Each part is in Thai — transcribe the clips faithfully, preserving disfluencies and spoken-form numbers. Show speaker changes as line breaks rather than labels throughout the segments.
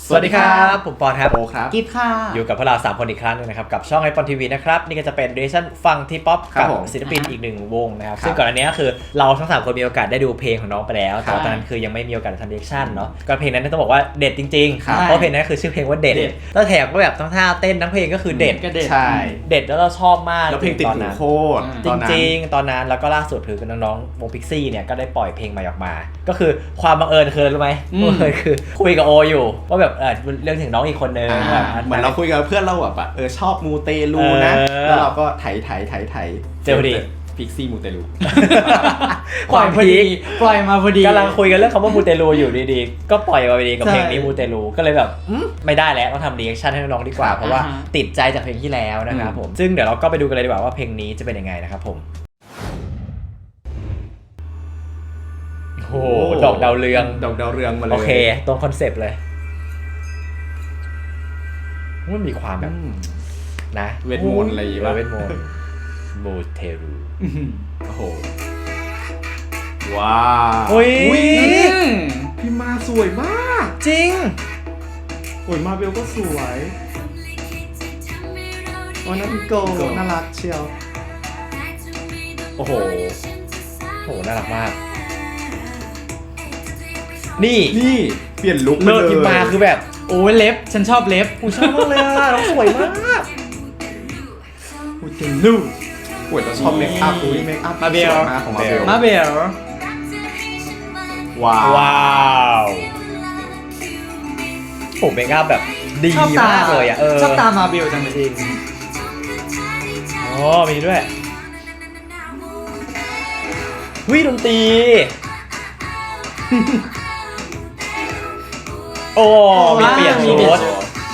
สวัสดีครับผมปอนครับ
โอครับ
กิฟค่ะ
อยู่กับพวกเราสามคนอีกครั้งนึงนะครับกับช่องไอปอนทีวีนะครับนี่ก็จะเป็นเรชั่นฟังทีป๊อปกับศิลปินอีกหนึ่งวงนะครับซึ่งก่อนอันนี้ก็คือเราทั้งสามคนมีโอกาสได้ดูเพลงของน้องไปแล้วแต่ตอนนั้นคือยังไม่มีโอกาสทำเรชั่นเนาะก็เพลงนั้นต้องบอกว่าเด็ดจริงๆเพราะเพลงนั้นคือชื่อเพลงว่าเด็ดแล้วแถมก็แบบทั้งท่าเต้นทั้งเพลงก็คือเด็ด
ใช่
เด็ดแล้วเราชอบมาก
แล้วเพลงติดหูโคตร
จริงๆตอนนั้นแล้วก็ล่าสุดคือน้องๆวงพิกซี่เนี่ยก็ได้ปล่อยเพลงใหม่ออกมาก็คือความบังเอิญคือรู้ไหมเคยคือคุยกับโออยู่ว่าแบบเออเรื่องถึงน้องอีกคนนึง
เหมือนเราคุยกับเพื่อนเราแบบเออชอบมูเตลูนะแล้วเราก็ไถไถไถไถ
เจอพอดี
พิกซี่มูเตลู
ความพีค
ปล่อยมาพอดี
กำลังคุยกันเรื่องคำว่ามูเตลูอยู่ดีๆก็ปล่อยมาพอดีกับเพลงนี้มูเตลูก็เลยแบบไม่ได้แล้วต้องทำรีแอคชั่นให้น้องดีกว่าเพราะว่าติดใจจากเพลงที่แล้วนะครับผมซึ่งเดี๋ยวเราก็ไปดูกันเลยดีกว่าว่าเพลงนี้จะเป็นยังไงนะครับผมโอ้ดอกดาวเรือง
ดอกดาวเรืองมาเลย
โอเคตรงคอนเซปต์เลยมันมีความแบบนะ
เวทมนต์อะไรอย่างเงี้ย
เวทมนต์มูเตลู
โอ้โหว้าว
อุ้ย
พี่มาสวยมาก
จริง
โอ้ยมาเบลก็สวยโอ้ยน้องโกน่ารักเชียว
โอ้โหโหน่ารักมากนี่
นี่เปลี่ยนลุค
เลิศพิมมาคือแบบ
โอ้ยเล็บฉันชอบเล็บ
กูชอบมากเลยอ่ะน้องสวยมาก
กูจริงลูกโอ้ยเราชอบเมคอัพอุ้ยเมคอัพ
มาเบล
ของมาเบล
มาเบล
ว้าว
ว้าวผมเมคอัพแบบดีมากเลยอ่ะเออ
ชอบตามาเบลจังเลยจริง
อ๋อมีด้วยวิดนตรีโอ้มีเปลี่ยนชุด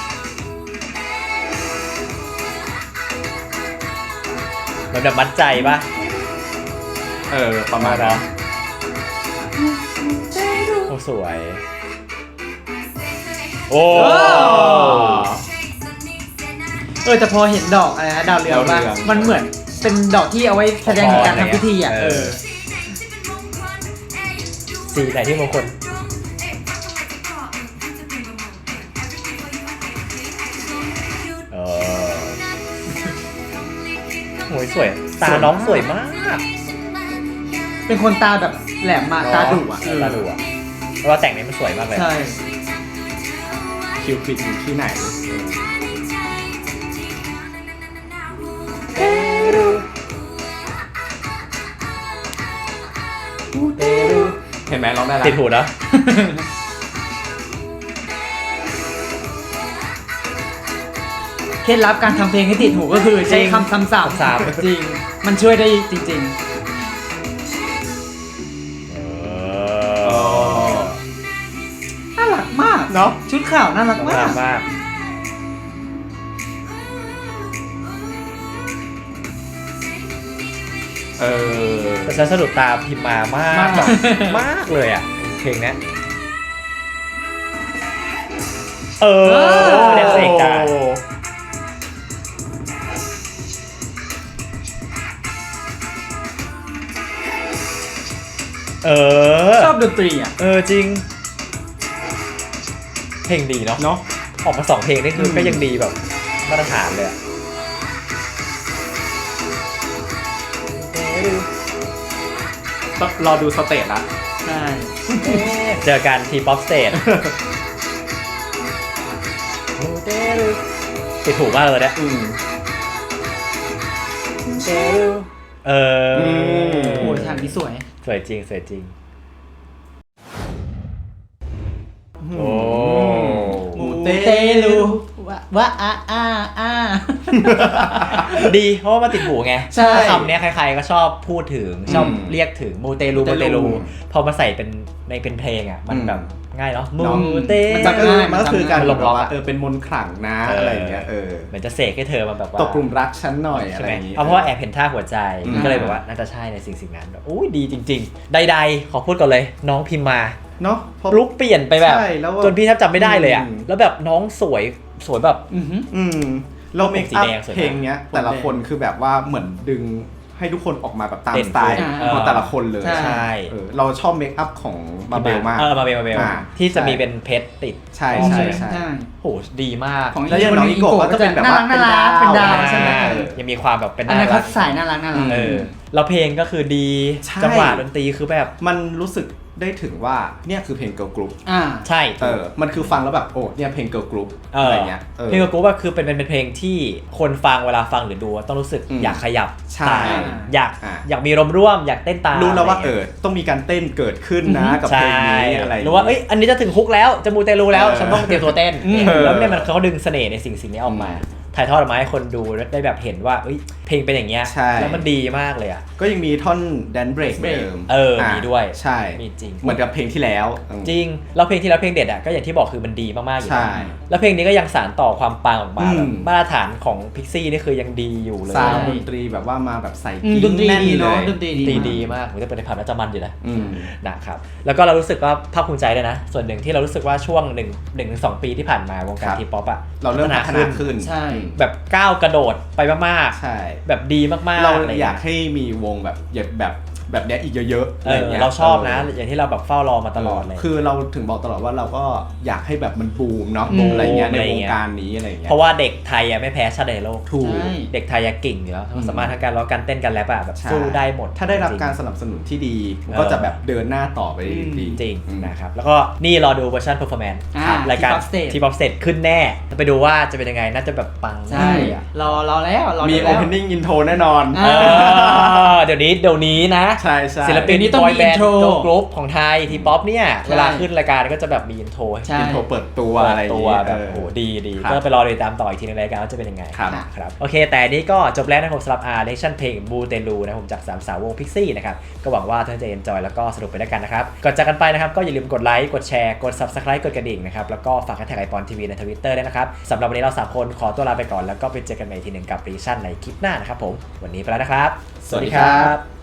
มันแบบมัดใจปะ
เออประมาณนั้น
โอ้สวยโอ้
เออแต่พอเห็นดอกอะไรนะดาวเรืองป่ะมันเหมือนเป็นดอกที่เอาไว้แสดงถึงการทำพิธีอ่ะเออ
สีไหนที่มงคลโอ้ยสวยตาน้องสวยมาก
เป็นคนตาแบบแหลมมาตาดุอ่ะ
ตาดุอ่ะเพราะว่าแต่งนี้มันสวยมากเลย
ใช่
คิวปิดอยู่ที่ไหนเห็นไหมร้องได้แล้ว
ติดหูนะ
เคล็ดลับการทำเพลงให้ติดหูก็คือใช้คำซ้ำๆซ้ำจริงมันช่วยได้จริงๆน่ารักมาก
เนาะ
ชุดขาวน่ารักมาก
มาก
เออ
แต่ฉันสะดุดตาพิมมามากแบบมากเลยอ่ะเพลงนี้เออเด็กเสกตาเออ
ชอบดนตรีอ่ะ
เออจริงเพลงดีเนาะ
เนาะ
ออกมาสองเพลงนี่คือก็ยังดีแบบมาตรฐานเลย
รอดูสเตจละ
ใช่
เจอกันทีป๊อปสเตจติดถูกมากเลยเนี่ยเออ
โอ้ยทางนี้สวย
สวยจริงสวยจริงโอ้
มูเตลูว่าว่าอ่าอ่าอ่า
ดีเพราะว่ามาติดหูไงคำนี้ใครๆก็ชอบพูดถึงชอบเรียกถึงมูเตลูมูเตลูพอมาใส่เป็นในเป็นเพลงอ่ะมันแบบง่ายเนาะมูเต
มันจะง่ายมันก็คือการลงล็อกเออเป็นมนต์ขลังนะอะไรอย่างเงี้ยเออ
เหมือนจะเสกให้เธอมาแบบว่า
ตกกลุ่มรักฉันหน่อยอะไรอย่างงี้
เพราะว่าแอบเห็นท่าหัวใจก็เลยแบบว่าน่าจะใช่ในสิ่งสิ่งนั้นแบบอุ้ยดีจริงๆใดๆขอพูดก่อนเลยน้องพิมมา
เนาะ
ลุกเปลี่ยนไปแบบจนพี่แทบจำไม่ได้เลยอ่ะแล้วแบบน้องสวยสวยแบบ
อืมเราเมคอัพเพลงเนี้ยแต่ละคนคือแบบว่าเหมือนดึงให้ทุกคนออกมาแบบตาม
เด่น
สไตล์
เออ
ของแต่ละคนเลย
ใช่
ใช่
เออเราชอบเมคอัพของมาเบลมาก
เออมาเบลมาเบล
อ่า
ที่จะ
ใช่
มีเป็นเพชรติด
ใช่
อ๋อ
ใช่
ใช่
ใช่
โหดีมาก
ของ
แล้วอย่างน้องอีโกะก็จะเป็นแบบว่า
น่ารักน่ารัก
เป็
เป็น น
ดา
ดาว วใช่ไหม
เออยังมีความแบบเป็น
อันนั้น
น่ารั
เขา
ก
สายน่ารักน่ารัก
เออแล้วเพลงก็คือดี
ใช่
จังหวะดนตรีคือแบบ
มันรู้สึกได้ถึงว่าเนี่ยคือเพลงเกิร์ลกรุ๊ป
อ่า
ใช่
เออมันคือฟังแล้วแบบโอ้เนี่ยเพลงเกิร์ลกรุ๊ป
เอ
อะไร
อ
เงี้ยออ
เพลงกับกูว่าคือเป็นเป็นเป็นเพลงที่คนฟังเวลาฟังหรือดูต้องรู้สึก
อืม
อยากขยับ
ใช่
ตามอยาก
อ่ะ
อยากมีรมร่วมอยากเต้นตาม
รู้แล้วว่า
ะ
เอ
ไรงี้ย
อต้องมีการเต้นเกิดขึ้นนะกับเพ
ใช่
ลงนี้อะไร
รู้ว่าเอ้ยอันนี้จะถึงฮุกแล้วจะมูเตลูแล้ว
เออ
ฉันต้องเตรียมตัวเต้น
อืม
แล้วเนี่ยมันเขาดึงเสน่ห์ในสิ่งสิ่งนี้ออกมา
อืม
ถ่ายทอดออกมาให้คนดูได้แบบเห็นว่าเอ้ยเพลงเป็นอย่างเงี้ย
ใช่
แล้วมันดีมากเลยอ่ะ
ก็ยังมีท่อนแดนเบรกเหมือนเดิม
เออมีด้วย
ใช่
มีจริง
เหมือนกับเพลงที่แล้วอืม
จริงแล้วเพลงที่แล้วเพลงเด็ดอ่ะก็อย่างที่บอกคือมันดีมากๆอยู่
ใช่
แล้วแล้วเพลงนี้ก็ยังสานต่อความปังออกมา
อืม
แบบมาตรฐานของพิกซี่นี่คือยังดีอยู่เลย
ซาวด์ดนตรีแบบว่ามาแบบใส่
อืม
กิ๊
ด
ง
นตรี
แน่น
ดี
เล
เนาะ
ย
ดนตรีดี
ตี
มาก
ดีมากผมจะเป็นในผับน่าจะมันอยู่นะ
อืม
นะครับแล้วก็เรารู้สึกว่าภาคภูมิใจด้วยนะ ส่วนหนึ่งที่เรารู้สึกว่าช่วง1 1ถึงสองปีที่ผ่านมาวงการ
ครับ
ทีป๊อปอ่ะ
เราเริ่มพัฒนาขึ้น
ใช่
แบบก้าวกระโดดไปมาก
ใช่
ๆ แบบดีมากๆ
เรา
ะไ
อยากให้มีวงแบบแบบแบบเนี้ยอีกเยอะๆ
เอ
อะไร
อ
เงี้ย
เราชอบนะ
เ
อย่างที่เราแบบเฝ้ารอมาตลอดเลย
คือเราถึงบอกตลอดว่าเราก็อยากให้แบบมันบูมเนาะ
อืม
อะไรเงี้ยใน
อะไร
วง
เงี้ย
การนี้อะไรเงี้ย
เพราะว่าเด็กไทยอะไม่แพ้ชาติใดในโลก
ถูก
ใช่
เด็กไทยอะเก่งอยู่แล้ว
อืม
สามารถทั้งการร้องการเต้นการแรปอะแบบ
ใช่
สู้ได้หมด
ถ้าได้รับ
จงๆ
การสนับสนุนที่ดีมันก็จะแบบเดินหน้าต่อไปได้ดี
จริง
อืม
นะครับแล้วก็นี่รอดูเวอร์ชันเพอร์ฟอร์แมนซ์
อ่าร
ายการ
T-pop Stage
ทีป๊อปสเตจขึ้นแน่ไปดูว่าจะเป็นยังไงน่าจะแบบปัง
ใช่
มากเลยอะ
รอรอแล้วรอ
มี
ดูแล้ว
opening intro แน่นอน
อ่า
เออเดี๋ยวนี้เดี๋ยวนี้นะ
ใช่ใช่
ศิลปิน
เดี๋ยวนี้ต้อง
บอย
มี
แบนด์
intro
กรุ๊ปของไทยทีป๊อปเนี่ย
ใช่
เวลาขึ้นรายการก็จะแบบมีอินโทร
ใช่
อินโทรเปิดตัวอะไรอย่าง
ตัว
เงี้ย
แบบ
เออ
โอ้โหดีดี
ครับ
ก็ไปรอติดตามต่ออีกทีในรายการว่าจะเป็นยังไง
ครับ
นะครับโอเค แต่นี้ก็จบแล้วนะครับผมสำหรับอาร์เลชั่นเพลงบูเตลูนะครับผมจากสามสาววงพิกซี่นะครับก็หวังว่าท่านจะเอนจอยแล้วก็สนุกไปด้วยกันนะครับก่อนจากกันไปนะครับก็อย่าลืมกดไลค์กดแชร์กด ซับสไครบ์ กดกระดิ่งนะครับแล้วก็ฝากแฮชแท็กไอปอนทีวีใน ทวิตเตอร์ ด้วยนะครับสำหรับวันนี้เราสามคนขอตัวลาไปก่อนแล้วก็ไปเจอกันใหม่ทีหนึ่งกับรีชั่นในคลิปหน้านะครับผมวันนี้ไปแล้วนะครับ
สวัสดีครับ